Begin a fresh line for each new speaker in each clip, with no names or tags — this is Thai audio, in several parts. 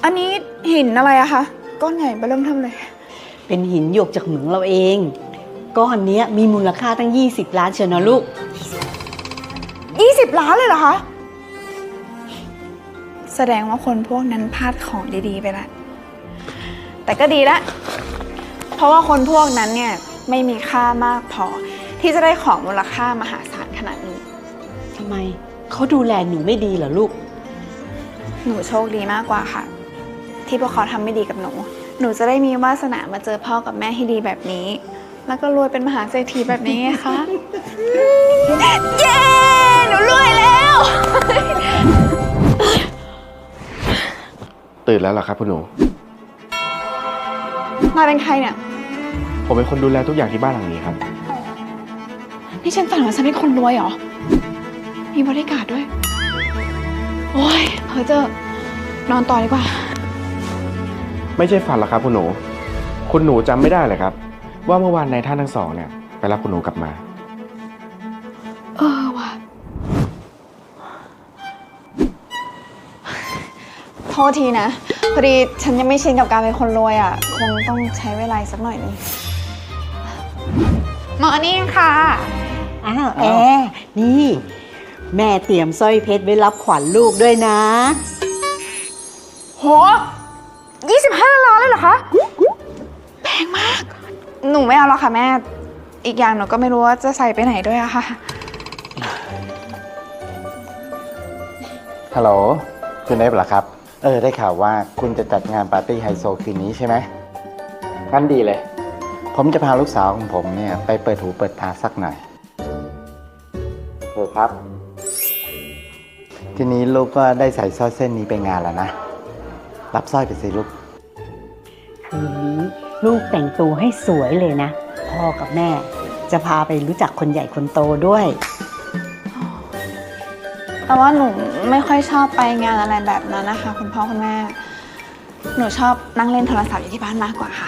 อันนี้หินอะไรอะคะก้อนใหญ่เบิ่มเทิ่มเลย
เป็นหินหยกจากเหมืองเราเองก้อนนี้มีมูลค่าตั้ง20 ล้านเชียวนะลูก
20 ล้านเลยเหรอคะแสดงว่าคนพวกนั้นพลาดของดีๆไปละแต่ก็ดีละเพราะว่าคนพวกนั้นเนี่ยไม่มีค่ามากพอที่จะได้ของมูลค่ามหาศาลขนาดนี้
ทำไมเขาดูแลหนูไม่ดีเหรอลูก
หนูโชคดีมากกว่าค่ะที่พวกเขาทำไม่ดีกับหนูจะได้มีวาสนามาเจอพ่อกับแม่ที่ดีแบบนี้แล้วก็รวยเป็นมหาเศรษฐีแบบนี้ไงคะเย้หนูรวยแล้ว
ตื่นแล้วเหรอครับคุณหนู
มาเป็นใครเนี่ย
ผมเป็นคนดูแลทุกอย่างที่บ้านหลังนี้ครับ
นี่ฉันฝันว่าฉันเป็นคนรวยเหรอมีบริการด้วยโอ้ยเพ้อเจ้อนอนต่อดีกว่า
ไม่ใช่ฝันหรอกครับคุณหนูคุณหนูจำไม่ได้เลยครับว่าเมื่อวานนายท่านทั้งสองเนี่ยไปรับคุณหนูกลับมา
ว่ะโทษทีนะพอดีฉันยังไม่ชินกับการเป็นคนรวยอ่ะคงต้องใช้เวลาสักหน่อยนึงมอร์นิ่งค่ะ
อ้าวแอร์นี่แม่เตรียมสร้อยเพชรไว้รับขวัญลูกด้วยนะ
โห25 ล้านเลยเหรอคะแพงมากหนูไม่เอาแล้วค่ะแม่อีกอย่างหนูก็ไม่รู้ว่าจะใส่ไปไหนด้วยอะค่ะ
ฮัลโหลคุณเอฟเหรอครับได้ข่าวว่าคุณจะจัดงานปาร์ตี้ไฮโซคืนนี้ใช่ไหมงั้นดีเลยผมจะพาลูกสาวของผมเนี่ยไปเปิดหูเปิดตาสักหน่อยครับทีนี้ลูกก็ได้ใส่สร้อยเส้นนี้ไปงานแล้วนะรับสร้อยไปสิลูก
คืนนี้ลูกแต่งตัวให้สวยเลยนะพ่อกับแม่จะพาไปรู้จักคนใหญ่คนโตด้วย
แต่ว่าหนูไม่ค่อยชอบไปงานอะไรแบบนั้นนะคะคุณพ่อคุณแม่หนูชอบนั่งเล่นโทรศัพท์อยู่ที่บ้านมากกว่าค่ะ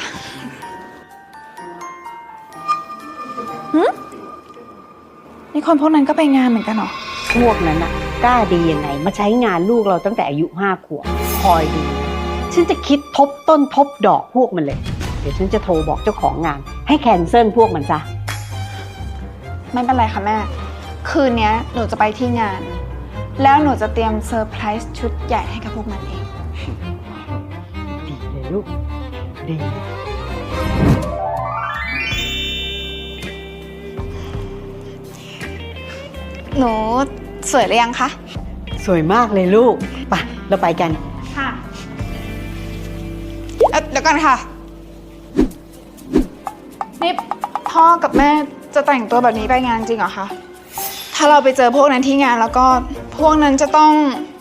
นี่คนพวกนั้นก็ไปงานเหมือนกันเหรอ
พวกนั้นน่ะกล้าดียังไงมาใช้งานลูกเราตั้งแต่อายุ5 ขวบคอยดูฉันจะคิดทบต้นทบดอกพวกมันเลยเดี๋ยวฉันจะโทรบอกเจ้าของงานให้แคนเซิลพวกมันซะ
ไม่เป็นไรค่ะแม่คืนนี้หนูจะไปที่งานแล้วหนูจะเตรียมเซอร์ไพรส์ชุดใหญ่ให้กับพวกมันเอง
ดีเลยลูกดี
หนูสวยหรือยังคะ
สวยมากเลยลูกไปเราไปกัน
ค่ะเดี๋ยวก่อนค่ะนี่พ่อกับแม่จะแต่งตัวแบบนี้ไปงานจริงเหรอคะถ้าเราไปเจอพวกนั้นที่งานแล้วก็พวกนั้นจะต้อง